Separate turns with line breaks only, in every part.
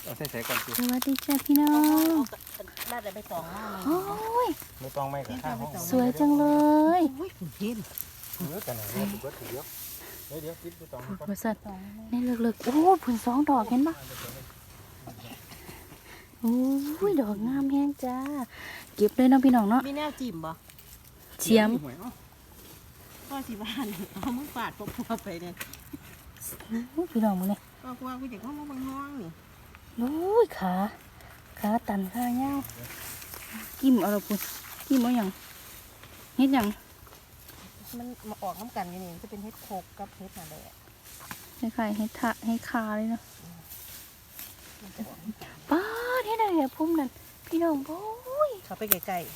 เอาใส่ก่อนสิ
สวัสดีจ้าพี่น้อง
บ้านอะไรไปตองหน้า
โอ้ย
ไม่ต้องไม่กับข้างห้อง
สวยจังเลย
โอ้ยคุณพิน
เนื้อกันไหนเนี่ยถูกถูกเยอะเดี๋ยวคิดไม่ต้อง
ผุดบริษัทนี่เลิกๆโอ้ผุน2 ดอกเห็นปะโอ้ยดอกงามแห้งจ้าเก็บเลยเนาะพี่น้องเนาะ
มีแนวจิ้มบ่
เฉียม
พ่อสิบ้านเอามือฝาดพวกไปเนี่ย
โอ้ยพี่น้องมึงเนี่ย
ก็กลัวกูจะเข้ามาบางห้องนี่
โอ้ยขาตันขาเงากิ้มเอาละพุ่นกิ้มเอาอย่างเฮ็ดอย่าง
มันมาออกน้ำกันกันนี่จะเป็นเฮ็ดโคกกับเฮ็ดนาแดด
คล้ายๆเฮ็ดทะเฮ็ดคาเลยเนาะป้าดเฮ็ดอะไรอะพุ่มนั่นพี่น้องโอ้ย
เขาไปไกล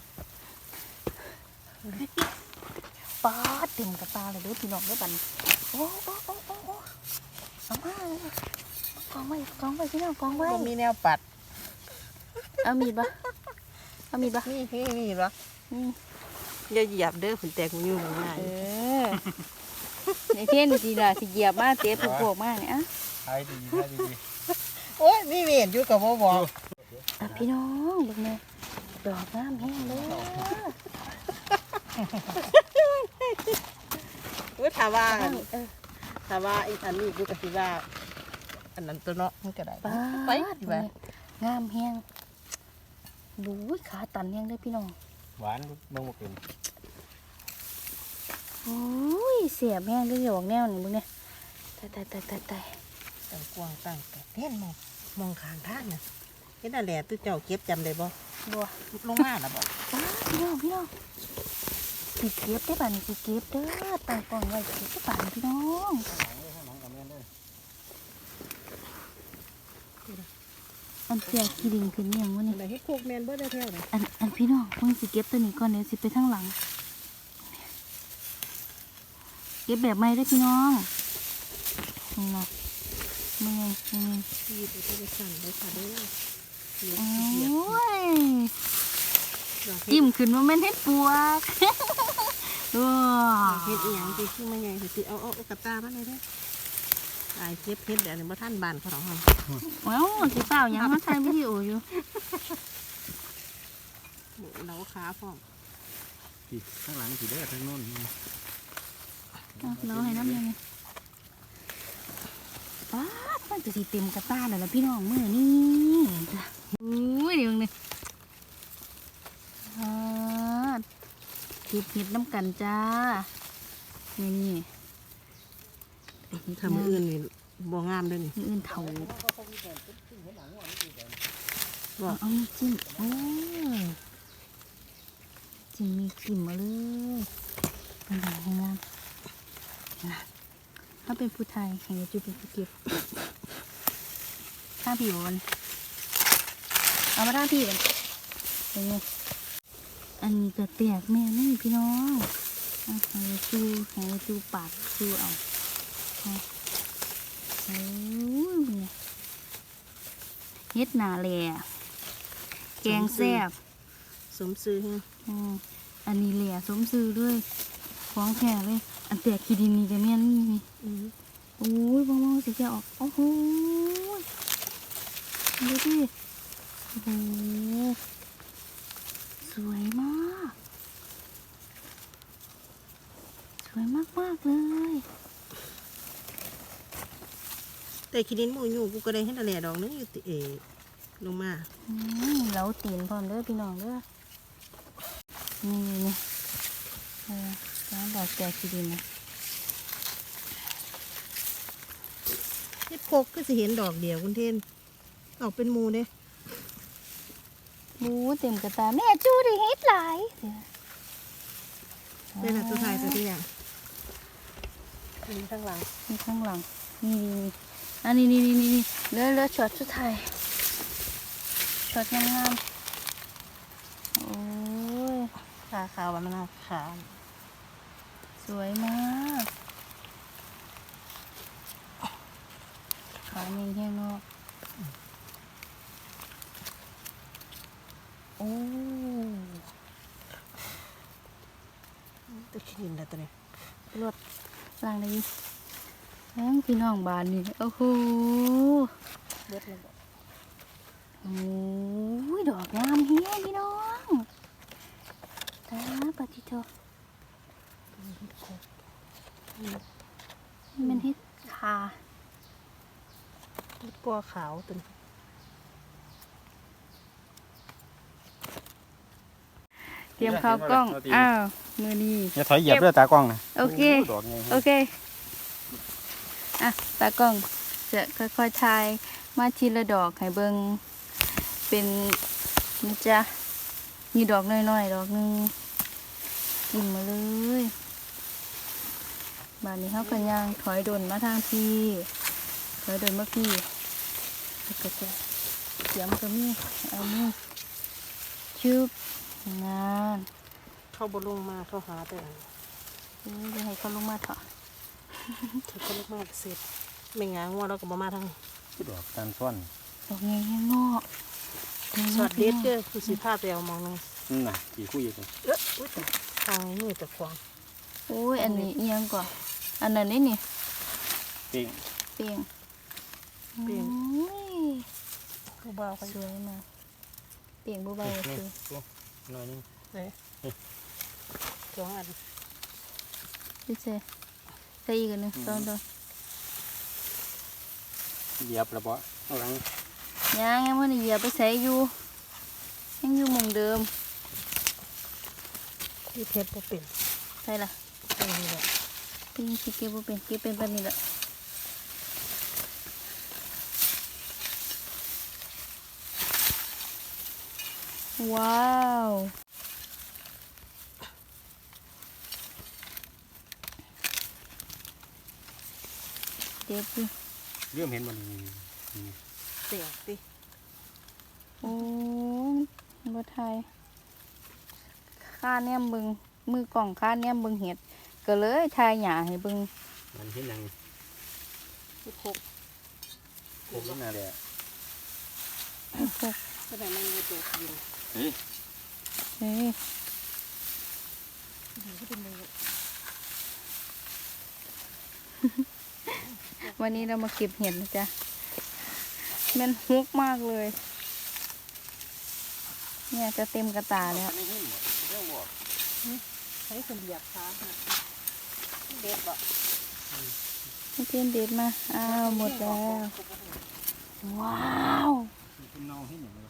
ป้าดเต็มกระตาเลยเด้อพี่น้องเด้อบัดนโอ้เอามากองไว้พี่น้องกองไว้
ๆบ่มีแนวปัด
เอามีดปะ
นี่หรอ
นี่
อย่าเหยียบเด้อผุนแตกมันอยู่ง่าย
ในเท่นสิล่ะสิเหยียบมาเตะพวกมากเนี่ยอ่ะ
ขายดีขายดี
โอ้ยมีเวียนอยู่กับบ่บอก
อ่ะพี่น้องเบิ่งแม่ดอกงามแห้งเลย
ว่าถามว่า
เออ
ถามว่าอีอันนี้กูก็สิว่าอันนั้นตัวเนาะมันก็ได้
ป้า
ไป
ด
ดีกว่า
งามแห้งดูขาตันแห้งเลยพี่น้อง
หวานน้องเป็น
โอ้ยเสียบแห้งเลยดอกแนวนี่มึงเนี่ยตาย
ตั้งกวางตั้งแต่เห็นมองข้างทางน่ะเห็นนั่นแหละตู้เจ้าเก็บจำได้บ่
บัว
ลงมาแล้วบ่
ป้าดพี่น้องสิเก็บได้ป่ะนี่สิเก็บเด้อตั้งกล่องไว้เก็บได้ป่ะนี่พี่น้องอันเสียขี้ดิงขึ้นยังวะนี่
ไหนให้โคกแมนบ่ได้แท้เลย
อันพี่น้องเพิ่งสิเก็บตัวนี้ก่อนเดี๋ยวสิไปทางหลัง เก็บแบบใหม่ได้อพี่น้องนี่นะมึงไง
ที่ไปไปสั่นได้ค่ะเด้อ
โอ้ยจิ้มขึ้นมาแม่นเฮ็ดปวก ว้า
เฮ็ดอีหยังสิคือมาใหญ่สิเอากระตามาเลยเด้อตายเก็บเฮ็ดเดี๋ยวนี้บ่ทันบ้านเขาหรอกฮะ
ว้าวสิเปล่ายังมาถ่ายวิดีโออยู่
เราขาพร้อม
ข้างหลังสีแดงข้างโน้น
เราให้น้ำยังไงป้าดมันจะสิเต็มกระตาแล้วล่ะพี่น้องมื้อนี้อุ้ยเดี๋ยวนี้เก็บเห็ดน้ำกันจ้านี่
ทำมื้ออื่นนี่บ่งามเด้อนี่
มื้ออื่นเถา
บ่
เอานี่จิ้มโอ้ยจิ้มมีจิ้มมาเลยเป็นหนังงามนะถ้าเป็นผู้ไทยแห่งจะเป็นผู้เก็บข้างพี่บอลเอามาข้างพี่บอลเป็นไงอันนี้ก็แตกแม่นี่พี่น้องให้จูปากจูเอาโอ้ยเฮ็ดหนาแหล่แกงแซ่บ
สมซื้อ
อันนี้แหล่สมซื้อด้วยของแท้เลยอันแตกขี้ดินนี่จะแม่นนี่โอ้ยบ้องสิแกออกโอ้โหดูดิโอ้โหสวยมากเลย
แต่คิดินหมูอยู่กูก็ได้เฮ็ดอะไรดอกนึงอยู่ติลงมา
เหลาตีนพร้อมเด้อพี่น้องเด้อนี่ร้านดอกแตกขี้ดินนะ
เฮ็ดโคกก็สิเห็นดอกเดียวคุณเทนออกเป็นหมูเด้
บูเต็มกระตาแม่จูดิเฮ็ดหลาย
ได้ละตัวไทยตัวที่อย่างมีข้างหลัง
นี่ข้างหลังนี่อันนี้เลือช็อตสุดท้ายช็อตงามๆโอ้ย
ขาขาวมันน่าขา
สวยมากขาเงี้ยแค่นอกโอ้
ตัวขี้ดินแล้วตัวนี้
รถล่างได้ยินแล้วพี่น้องบานนี่โอ้โห
เบิดเลยบ่
โอ้ยดอกงามเฮียพี่น้องตาปฏิโทมันเฮ็ดขา
เฮ็ดกัวขาวตัวนี้
เตรียมข้าวกล้องอ้าวมือนี้
อย่าถอยเหยียบด้วยตากล้องนะ
โอเค
ดอกไง
โอเคอ่ะตากล้องจะค่อยๆทายมาทีละดอกให้เบิ่งเป็นนี่จ้ะมีดอกน้อยๆดอกหนึงกินมาเลยบานนี้เขาก็ย่างถอยดนมาทางพี่ถอยดนมาพี่แล้วก็จะเสียมก็มีเอามือชุบงาน
เข้าบ่ลงมาเข้าหาแต่อัน
จะให้เขาลงมาเถอะ
ถ้าเขาลงมาก็เสร็จไม่งางัวเราก็บ่มาทาง
ดอกการซ่อน
ดอกเงี้ยงอก
สอดเด็ดเด้อคือสิพาไปเอามองนึง
นั่นน่ะกี่คู่อยู่ตรง
อุ้ยแต่ทางนี้มีแต่ควาง
โอ้ยอันนี้เอียงกว่าอันนั้นนี่
เป้ง
เปียง
เปลี่ยน
โอ้ย
ผู้บ่าวเขา
สวยมากเปียงบุบาย
นี่
คือ
หน่อยนึง
เลยสองอัน
พี่เจใส่อีกอันหนึงต้นต้น
เหยียบระเบาะข้างหลัง
ยังมันเหยียบไปใส่อยู่ยังอยู่หมุมเดิม
ที่เพชรบ่เป็น
ใช่ล่ะ
ตรงนี้แหละ
พี่ยังคิดเก็บบ่เป็นเก็บเป็นปานนี้แหละว้าวเด็ดดิ
เริ่มเห็นมันนี่
เสียงติ
โอ้ยบ่ไทยค่าแนมเบิงมือกล่องค่าแนมเบิงเห็ดก็เลยทายหญ้าให้เบิง
มันเห็นยัง
ที่พก
ผมนั่นแหละ
ก็ได้มันมีตัวกิน
เฮ้ย
เฮ้ย
ที่เป็นมือ
วันนี้เรามาเก็บเห็ดนะจ๊ะมันฮกมากเลย เนี่ยจะเต็มกระตาแล้ว
ไม่เห็นหมดเรื่องบอก
ใช้คนเหยียบขาเด็ดบ่
ให้เพื่อนเด็ดมา อ้าวหมดแล้ว ว้าว
คุณเนาเห็นอย่างไร